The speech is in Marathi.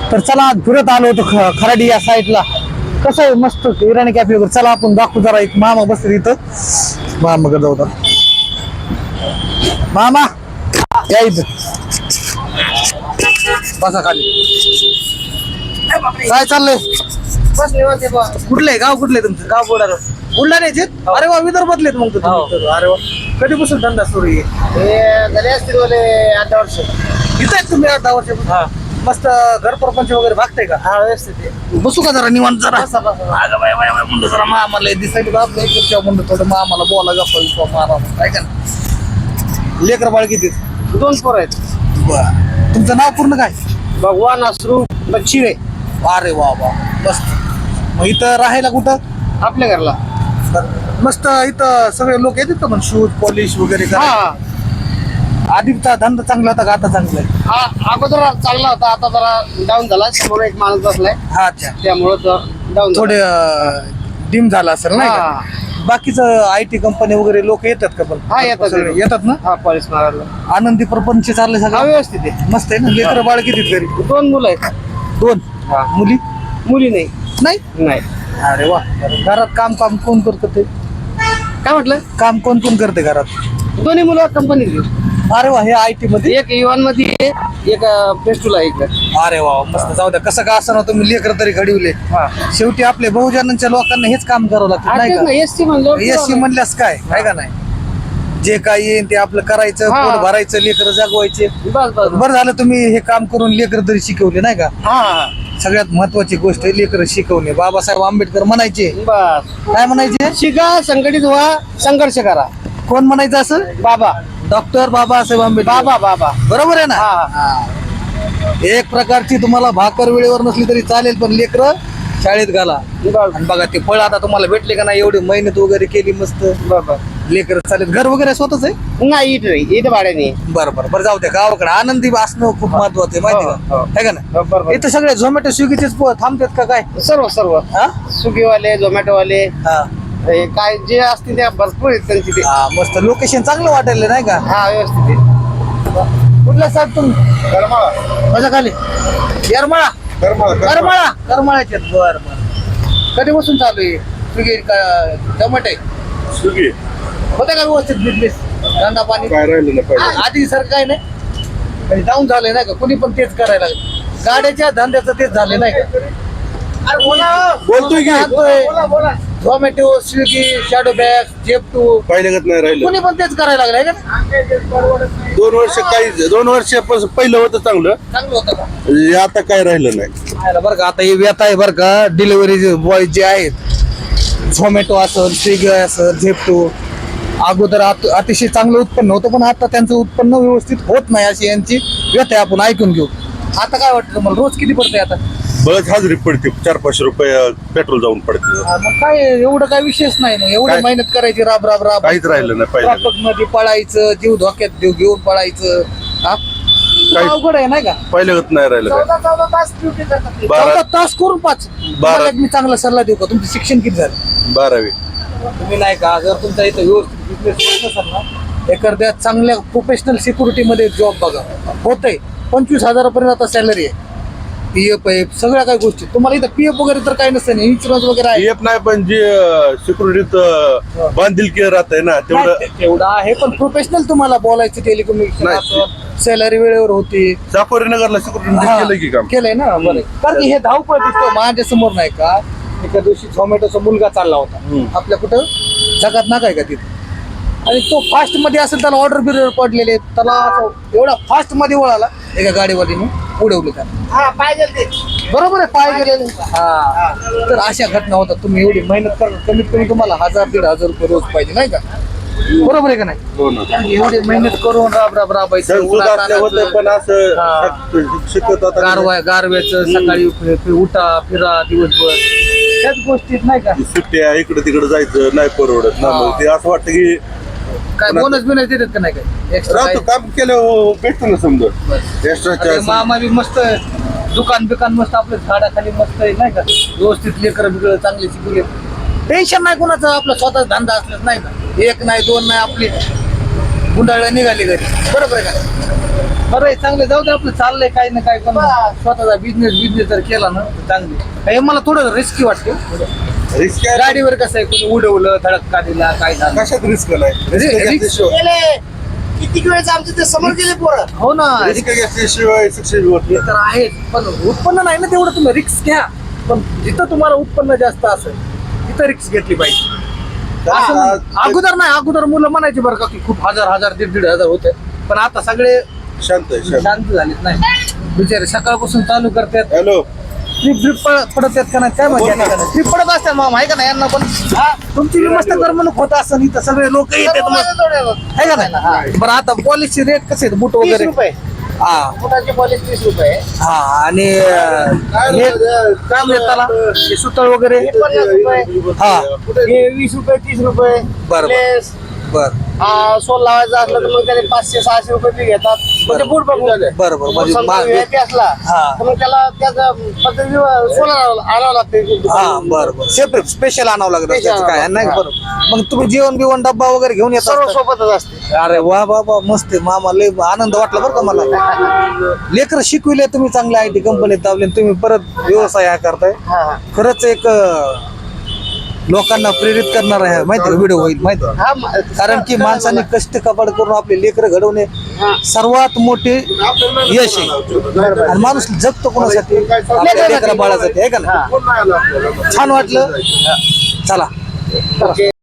तर चला आज फिरत आलो होतो खराडी या साईडला. कसं आहे मस्त इराणी कॅफे वगैरे. चला आपण दाखवू जरा. एक मामा बसले इथं. मामाकडे जाऊ तर. मामा या इथं बसा खाली. काय चाललंय? कुठलंय गाव? कुठलंय तुमचं गाव? बुलढाण्याचे? अरे वा, विदर्भातले मग तुम्ही. अरे वा, कधीपासून धंदा सुरू आहे? झाले असतील 8 वर्ष. इथं आहेत तुम्ही 10 वर्ष? मस्त घर प्रपंच वगैरे भागतंय का? हा, व्यवस्थित. बसू का जरा निवांत जरा? अगं बाय बाय बाय म्हणतो जरा मामाला दिसायला आपलं एक म्हणतो थोडं मामाला बोला गप्पा मारा काय का. लेकर बाळ किती? 2 पोरं आहेत. बर, तुमचं नाव पूर्ण काय? भगवान अश्रू बच्चिरे. अरे वा वा, मस्त. मग इथं राहायला कुठं? आपल्या घरला. मस्त. इथं सगळे लोक येतात का? पण शूज पॉलिश वगैरे करा. हा, आधीचा धंदा चांगला होता का आता चांगला आहे? हा, अगोदर चांगला होता, आता जरा डाऊन झाला. समोर एक माणूस बसलाय, हा, अच्छा. त्यामुळं डाऊन थोडे डिम झाला असेल नाही का? बाकीचं IT कंपनी वगैरे लोक येतात का? पण हा, येतात. सगळे येतात ना? हा, पॉलिश मारायला. आनंदी प्रपंच चाललंय हा, सगळं व्यवस्थित आहे. मस्त आहे ना? लेकर बाळ किती घरी? 2 मुलं आहेत. 2 हा. मुली मुली नाही. नाही? नाही. अरे वा. घरात काम कोण करतं ते? काय म्हटलं? काम कोण करते घरात? दोन्ही मुलं कंपनीत. अरे वा, हे IT मध्ये? एक इव्हन मध्ये आहे, एक पेस्टूला आहे इकडे. अरे वा, मस्त. जाऊ द्या, कसं का असं ना तुम्ही लेकर तरी घडवले. हा. शेवटी आपले बहुजनांच्या लोकांना हेच काम करावं लागतं नाही का? एसटी म्हणलं. एससी म्हणल्यास काय आहे का नाही? जे काय येईल ते आपलं करायचं, हा. पोट भरायचं, लेकर जागवायचे. बस बस. बरं झालं तुम्ही हे काम करून लेकर तरी शिकवले नाही का? हा, सगळ्यात महत्वाची गोष्ट आहे लेकर शिकवणे. बाबासाहेब आंबेडकर म्हणायचे. बस. काय म्हणायचे? शिका, संघटित व्हा, संघर्ष करा. कोण म्हणायचं असं? बाबा. डॉक्टर बाबासाहेब आंबेडकर. बाबा. बरोबर आहे ना? हा. एक प्रकारची तुम्हाला भाकर वेळेवर नसली तरी चालेल, पण लेकर शाळेत घाला. बस. आणि बघा ते फळ आता तुम्हाला भेटले का नाही? एवढी मेहनत वगैरे केली मस्त. बरोबर. लेकर चालेल. घर वगैरे स्वतःच आहे? नाही, इथं भाड्याने. बरं जाऊ द्या. गावाकडे आनंदी असणं खूप महत्वाचं आहे माहिती हो. का? आहे का नाही? बरोबर. इथं सगळे झोमॅटो स्विगीचेच थांबतात का काय? सर्व हा? स्विगीवाले, झोमॅटोवाले, हा. हे काय जे असतील त्या भरपूर आहेत त्यांची ते. हा, मस्त. लोकेशन चांगलं वाटायला नाही का? हा, व्यवस्थित आहे. कुठला साहेब तुम्ही? माझ्या खाली येरमाळा. करमाळ्याचे. बर. कधीपासून चालू आहे स्विगी टमाटे? स्विगी होते का व्यवस्थित बिझनेस? धंदा पाणी काय राहिलं नाही पाहिजे. आधी सर काय नाही डाऊन झाले नाही का? कुणी पण तेच करायला लागले. गाड्याच्या धंद्याचं तेच झाले नाही का? बोलतोय की झोमॅटो, स्विगी, शॅडो बॅग, जेप्टू, पहिल्यागत नाही राहिलं. कुणी पण तेच करायला लागले का? 2 वर्ष पहिलं होतं चांगलं. चांगलं होतं का? आता काय राहिलं नाही. बरं का? आता हे व्यथा आहे बरं का? डिलिव्हरी बॉय जे आहेत, झोमॅटो असेल, स्विगी असेल, झेप्टो, अगोदर अतिशय चांगलं उत्पन्न होतं, पण आता त्यांचं उत्पन्न व्यवस्थित होत नाही अशी यांची व्यथा आहे. आपण ऐकून घेऊ. आता काय वाटतं मला? रोज किती पडतंय आता? बळच हजेरी पडते. 400-500 रुपये पेट्रोल जाऊन पडते. मग काय एवढं काय विशेष नाही ना? एवढं काय? मेहनत करायची, राब काहीच राहिलं नाही पहिलं. ट्रॅफिक मध्ये पळायचं, जीव धोक्यात घेऊन पळायचं. हा? काही- अवघड आहे नाही का? पहिल्यागत नाही राहिलं काय. 14 तास ड्युटी करतात. 14 तास करून 5. 12. मी चांगला सल्ला देऊ का? तुमचं शिक्षण किती झालं? 12वी. तुम्ही नाही का, जर तुमचा इथं व्यवस्थित बिझनेस होत असेल ना, एखाद्या चांगल्या प्रोफेशनल सिक्युरिटी मध्ये जॉब बघा. होतंय 25,000 आता सॅलरी आहे. PF आहे, सगळ्या काही गोष्टी. तुम्हाला इथं PF वगैरे तर काही नसतं, इन्शुरन्स वगैरे आहे. PF नाही, पण जे सिक्युरिटीत बांधिलकी राहतंय ना तेवढं. नाही, तेवढं आहे, पण प्रोफेशनल तुम्हाला बोलायचं, टेलिकम्युनिकेशन नाही. असं, सॅलरी वेळेवर होती. चाकोरी नगरला सिक्युरिटी हा, केलं की काम. केलंय ना? बरं. कारण की हे धावपळ दिसतो माझ्या समोर नाही का? एका दिवशी झोमॅटोचा मुलगा चालला होता आपल्या कुठं जगात ना काय का तिथे, आणि तो फास्ट मध्ये असेल, त्याला ऑर्डर बिर्डर पडलेले, त्याला असं एवढा फास्ट मध्ये वळाला, एका गाडीवालीने उडवलं त्याला. हा, पाहिजे ते. बरोबर आहे, पाय गेलेले. हा, तर अशा घटना होतात. तुम्ही एवढी मेहनत करा, कमीत कमी तुम्हाला 1000-1500 रुपये रोज पाहिजे नाही का? बरोबर आहे का नाही? हो ना. एवढी मेहनत करून राबायचं, संसद असल्या होतं, पण असं शिकत होता. गारव्याचं सकाळी उठा फिरा दिवसभर, त्याच गोष्टीत नाही का? सुट्ट्या इकडे तिकडे जायचं नाही परवडत ना. मग ते असं वाटतं की काय बोनस बिनस देतात का नाही? काय एक्स्ट्रा राहतो काम केलं भेटतो ना समजा एक्स्ट्रा. मामा बी मस्त दुकान बिकान मस्त आपलं झाडाखाली मस्त आहे नाही का? व्यवस्थित लेकर बिकळ चांगले शिकवले, टेन्शन नाही कोणाचं. आपला स्वतः धंदा असलाच नाही का? 1 नाही 2 नाही, आपली गुंडाळ्या निघाली घरी. बरोबर आहे का? बरं आहे, चांगलं जाऊ दे, आपलं चाललंय काही ना काय, पण स्वतःचा बिझनेस जर केला ना तर चांगली. हे मला थोडं रिस्की वाटते. रिस्क आहे. गाडीवर कसं आहे, कोणी उडवलं, धडका दिला, काय झालं. कशात रिस्क नाही रिस्क- गेले किती वेळेस आमच्या ते समोर गेले पोरं. हो ना, रिस्क घेतल्याशिवाय सक्सेस होत ते तर आहे, पण उत्पन्न नाही ना तेवढं. तुम्ही रिक्स घ्या, पण जिथं तुम्हाला उत्पन्न जास्त असेल तिथं रिक्स घेतली पाहिजे. असं अगोदर मुलं म्हणायची बरं का की खूप हजार 1,500 होते, पण आता सगळे शांत आहे शांत. शांत झालेत. नाही बिचारे सकाळपासून चालू करतात, हॅलो ट्रिप पडत आहेत का नाही काय माहिती. ट्रिप पडत असतात मामा, आहे का नाही यांना पण. तुमची बी मस्त करमणूक होत असं, इथं सगळे लोक येतात मग, आहे का नाही. बरं आता पॉलिसी रेट कसे आहेत बूट 30 वगैरे? रुपये हा फुटाची पॉलिश 30 रुपये. हा, आणि हे काय म्हणतात त्याला, हे सुतळ वगैरे? हे 50 रुपये. हा हे 20 रुपये 30 रुपये. बरं. लेस. बर सोल लावायचं असलं तर मग त्याने 500-600 रुपये बी घेतात. म्हणजे बूट बघून बरोबर. म्हणजे समजा VIP असला हा. तर मग त्याला त्याचा पद्धती सोल आणावं लागते. हा बरोबर, सेपरेट स्पेशल आणावं लागतं Special त्याचं काय आणावं. नाही. बरोबर. मग तुम्ही जेवण बिवण डब्बा वगैरे घेऊन येता? सर्व सोबतच असते. अरे वा वा मस्त आहे मामा, लय आनंद वाटला बरं का मला. लेकर शिकविले तुम्ही, चांगल्या IT कंपनीत दावले, तुम्ही परत व्यवसाय हा करताय. हा. खरंच एक लोकांना प्रेरित करणार आहे माहिती व्हिडिओ होईल माहिती. हा, कारण की माणसाने कष्ट कपाड करून आपले लेकर घडवणे सर्वात मोठे यश आहे. आणि माणूस जगतो कोणासाठी? आपल्या लेकरा बाळासाठी, आहे का ना. छान वाटलं, चला. ओके.